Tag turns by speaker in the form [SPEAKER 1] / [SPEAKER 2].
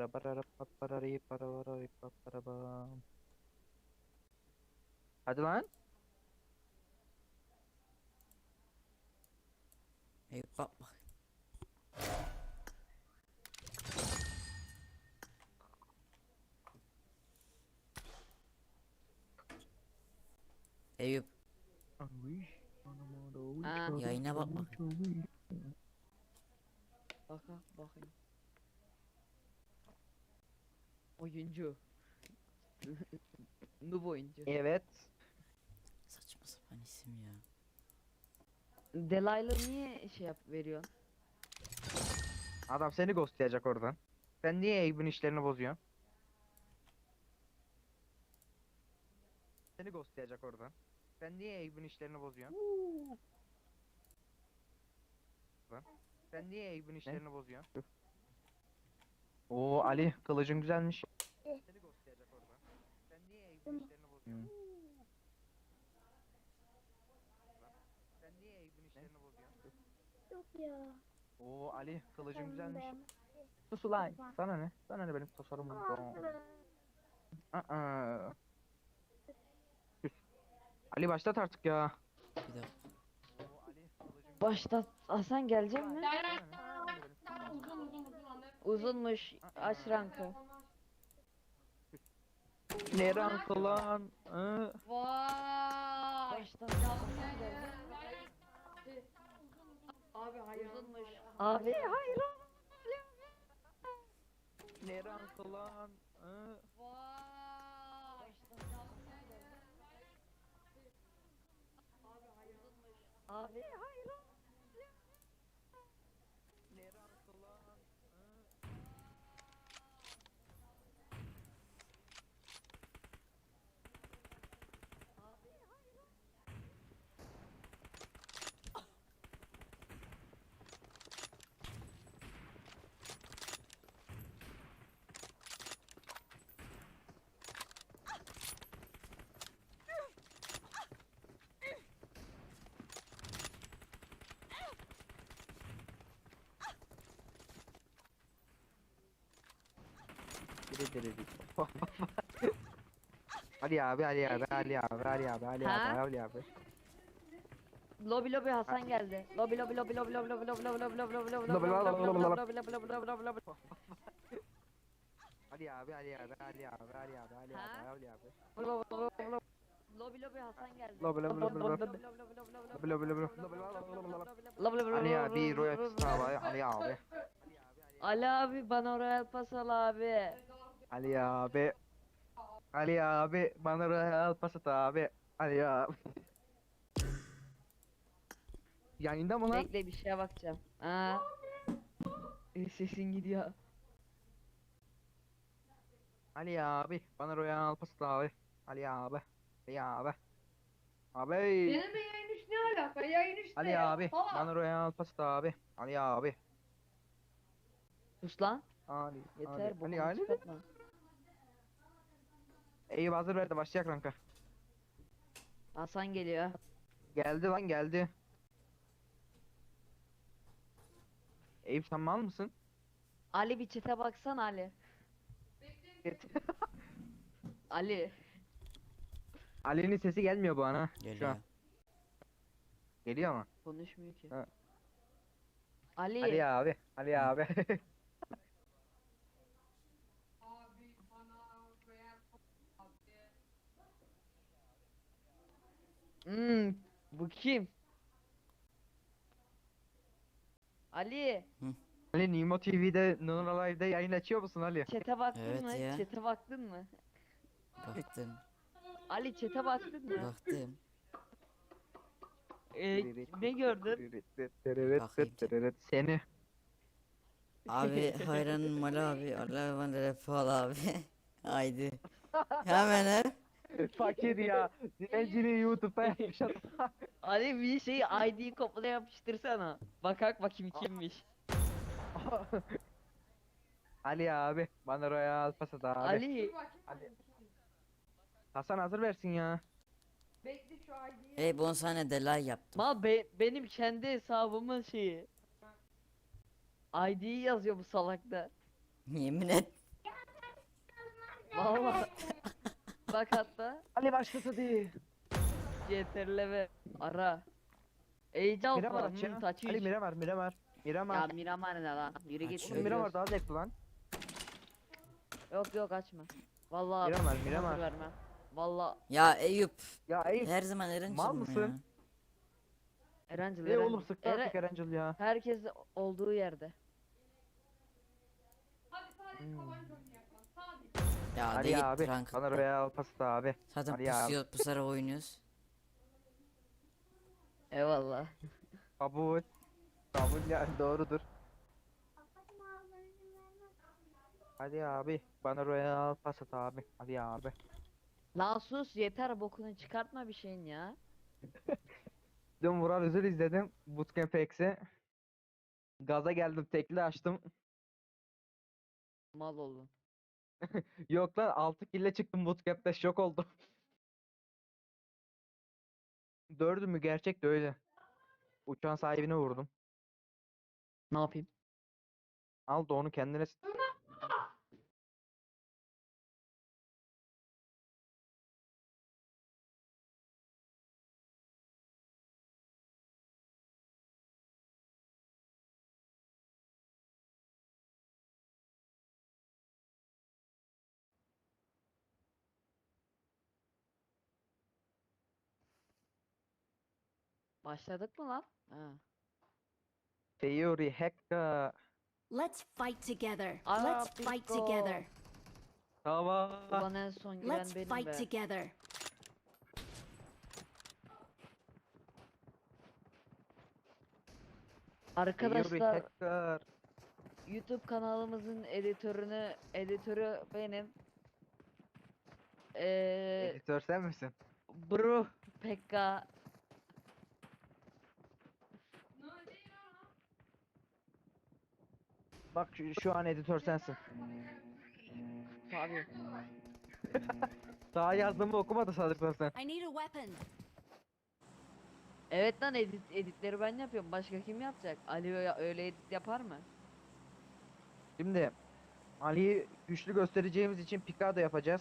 [SPEAKER 1] Hadi lan.
[SPEAKER 2] Eyüp bak bak. Eyüp
[SPEAKER 3] Ha.
[SPEAKER 2] yayına bak bak.
[SPEAKER 3] Bakayım. Oyuncu. Noob oyuncu.
[SPEAKER 1] Evet.
[SPEAKER 2] Saçma sapan isim ya.
[SPEAKER 3] Delayla niye şey veriyorsun?
[SPEAKER 1] Adam seni ghostlayacak oradan. Sen niye Eyüp'ün işlerini bozuyorsun? Seni ghostlayacak oradan. Sen niye Eyüp'ün işlerini bozuyorsun? Lan. Sen niye Eyüp'ün işlerini bozuyorsun? Oo Ali, kılıcın güzelmiş. Seni ghostlayacak oradan. Sen niye Eyüp'ün işlerini bozuyorsun? Lan. Sen niye Eyüp'ün işlerini bozuyorsun?
[SPEAKER 4] Yok ya.
[SPEAKER 1] Oo Ali, kılıcın
[SPEAKER 4] Ben
[SPEAKER 1] güzelmiş.
[SPEAKER 4] beğenmedim.
[SPEAKER 1] Sus ulan. Sana ne? Sana ne benim tasarımımdan? Aa. Küs. Ali başlat artık ya.
[SPEAKER 2] Bir dakika.
[SPEAKER 1] Oo Ali, kılıcın
[SPEAKER 3] Başta Hasan gelecek mi? Uzunmuş. Aç rankı.
[SPEAKER 1] ne rankı lan?
[SPEAKER 3] Vay. Başta Hasan gelecek.
[SPEAKER 4] Abi hayır.
[SPEAKER 3] Uzunmuş. Abi hayır.
[SPEAKER 1] Ne rankı lan?
[SPEAKER 3] Vay. Abi hayır.
[SPEAKER 1] Ne rankı lan? Diri diri diri. Ali abi, Ali abi, Ali abi, Ali abi, Ali
[SPEAKER 3] Ha?
[SPEAKER 1] abi, Ali abi.
[SPEAKER 3] Lobi Hasan geldi. Lobi.
[SPEAKER 1] Lobi, lobi, lobi, lobi, lobi, lobi, lobi. Ali abi, Ali abi, Ali abi, Ali abi, Ali
[SPEAKER 3] Ha?
[SPEAKER 1] abi, Ali abi.
[SPEAKER 3] Lobi Hasan geldi.
[SPEAKER 1] Lobi, lobi, lobi, lobi. Lobi, lobi, lobi, lobi. Ali abi, Royal Pista var, Ali abi.
[SPEAKER 3] Ali abi bana Royal Pass al abi.
[SPEAKER 1] Ali abi. Ali abi, bana Royal Pass abi. Ali abi. Yayında mı lan?
[SPEAKER 3] Bekle bir şeye bakacağım. Aa. Sesin gidiyor.
[SPEAKER 1] Ali abi, bana Royal Pass abi. Ali abi. Ali abi. Abi.
[SPEAKER 4] Benim de yayın iş ne alaka? Yayın işte
[SPEAKER 1] Ali
[SPEAKER 4] ya.
[SPEAKER 1] abi,
[SPEAKER 4] Salak.
[SPEAKER 1] bana Royal Pass abi. Ali abi.
[SPEAKER 3] Sus lan.
[SPEAKER 1] Ali,
[SPEAKER 3] Yeter
[SPEAKER 1] Ali,
[SPEAKER 3] bokunu
[SPEAKER 1] Ali.
[SPEAKER 3] çıkartma.
[SPEAKER 1] Eyüp hazır verdi, başlayacak ranka.
[SPEAKER 3] Hasan geliyor.
[SPEAKER 1] Geldi lan, geldi. Eyüp sen mal mısın?
[SPEAKER 3] Ali bir çete baksan Ali. Ali.
[SPEAKER 1] Ali'nin sesi gelmiyor bu ana. Şu
[SPEAKER 2] Geliyor.
[SPEAKER 1] an. Geliyor mu?
[SPEAKER 3] Konuşmuyor ki.
[SPEAKER 1] Ha.
[SPEAKER 3] Ali.
[SPEAKER 1] Ali abi, Ali abi.
[SPEAKER 3] Bu kim? Ali.
[SPEAKER 1] Ali Nimo TV'de, Nuna Live'de yayın açıyor musun Ali?
[SPEAKER 3] Çete baktın
[SPEAKER 2] Evet
[SPEAKER 3] mı?
[SPEAKER 2] ya.
[SPEAKER 3] Çete baktın mı?
[SPEAKER 2] Baktım.
[SPEAKER 3] Ali çete baktın mı?
[SPEAKER 2] Baktım.
[SPEAKER 3] Ne gördün?
[SPEAKER 2] Bakayım.
[SPEAKER 1] Seni.
[SPEAKER 2] Abi hayranım Ali abi. Allah bana rap al abi. Haydi. Hemen he.
[SPEAKER 1] Fakir ya. Dilencini YouTube'da yapmış adam.
[SPEAKER 3] Ali bir şey ID kopyala yapıştırsana. Bakak bakayım kimmiş.
[SPEAKER 1] Ali abi, bana Royal Pass at abi.
[SPEAKER 3] Ali.
[SPEAKER 1] Hasan hazır versin ya.
[SPEAKER 4] Bekle şu ID'yi.
[SPEAKER 2] Ey bon sana delay yaptım.
[SPEAKER 3] Benim kendi hesabımın şeyi. ID'yi yazıyor bu salakta.
[SPEAKER 2] Yemin et.
[SPEAKER 1] başlat hadi.
[SPEAKER 3] CTRL ara. Age of
[SPEAKER 1] Miramar
[SPEAKER 3] var.
[SPEAKER 1] aç ya.
[SPEAKER 3] Taç
[SPEAKER 1] Ali Miramar.
[SPEAKER 3] Ya
[SPEAKER 1] Miramar.
[SPEAKER 3] Miramar ne lan? Yürü git.
[SPEAKER 2] Aç
[SPEAKER 1] Oğlum Miramar
[SPEAKER 3] ölüyoruz.
[SPEAKER 1] daha zevkli lan.
[SPEAKER 3] Yok açma. Vallahi
[SPEAKER 1] Miramar,
[SPEAKER 3] hazır
[SPEAKER 1] Miramar.
[SPEAKER 3] vermem. Vallahi
[SPEAKER 2] Ya Eyüp.
[SPEAKER 1] Ya Eyüp.
[SPEAKER 2] Her zaman Eren
[SPEAKER 1] Mal
[SPEAKER 2] çıkmıyor
[SPEAKER 1] mısın?
[SPEAKER 2] ya.
[SPEAKER 3] Erencil
[SPEAKER 1] Oğlum sıktı artık Erencil ya.
[SPEAKER 3] Herkes olduğu yerde.
[SPEAKER 4] Hadi sadece
[SPEAKER 1] Hmm.
[SPEAKER 4] tabanca oynayalım. Sadece.
[SPEAKER 2] Ya
[SPEAKER 1] Ali
[SPEAKER 2] değil
[SPEAKER 1] abi.
[SPEAKER 2] rank.
[SPEAKER 1] Bana Royal pasta abi.
[SPEAKER 2] Zaten
[SPEAKER 1] Ali abi.
[SPEAKER 2] pusuyor, pusarak oynuyoruz.
[SPEAKER 3] Eyvallah.
[SPEAKER 1] Kabul. Kabul yani doğrudur. Hadi abi. Bana Royal pasta abi. Hadi abi.
[SPEAKER 3] Lan sus yeter bokunu çıkartma bir şeyin ya.
[SPEAKER 1] Dün Vural Üzül izledim. Bootcamp X'i. Gaza geldim tekli açtım.
[SPEAKER 3] Mal oldun.
[SPEAKER 1] Yok lan 6 kille çıktım Bootcamp'te şok oldum. 4'ü mü gerçek de öyle. Uçağın sahibine vurdum.
[SPEAKER 3] Ne yapayım?
[SPEAKER 1] Al da onu kendine
[SPEAKER 3] Başladık mı lan? Ha.
[SPEAKER 1] Theory hacker.
[SPEAKER 5] Let's fight together.
[SPEAKER 3] Ara
[SPEAKER 5] Let's fight
[SPEAKER 3] Pico.
[SPEAKER 5] together.
[SPEAKER 1] Tamam.
[SPEAKER 3] Ulan en son giren
[SPEAKER 5] Let's
[SPEAKER 3] benim
[SPEAKER 5] fight
[SPEAKER 3] be.
[SPEAKER 5] together.
[SPEAKER 1] Theory
[SPEAKER 3] Arkadaşlar
[SPEAKER 1] hacker.
[SPEAKER 3] YouTube kanalımızın editörü benim.
[SPEAKER 1] Editör sen misin?
[SPEAKER 3] Bro Pekka
[SPEAKER 1] Bak şu an editör sensin.
[SPEAKER 3] abi.
[SPEAKER 1] Daha yazdığımı okumadı sanırsan sen.
[SPEAKER 5] I need a weapon.
[SPEAKER 3] Evet lan editleri ben yapıyorum. Başka kim yapacak? Ali öyle edit yapar mı?
[SPEAKER 1] Şimdi Ali'yi güçlü göstereceğimiz için Picado yapacağız.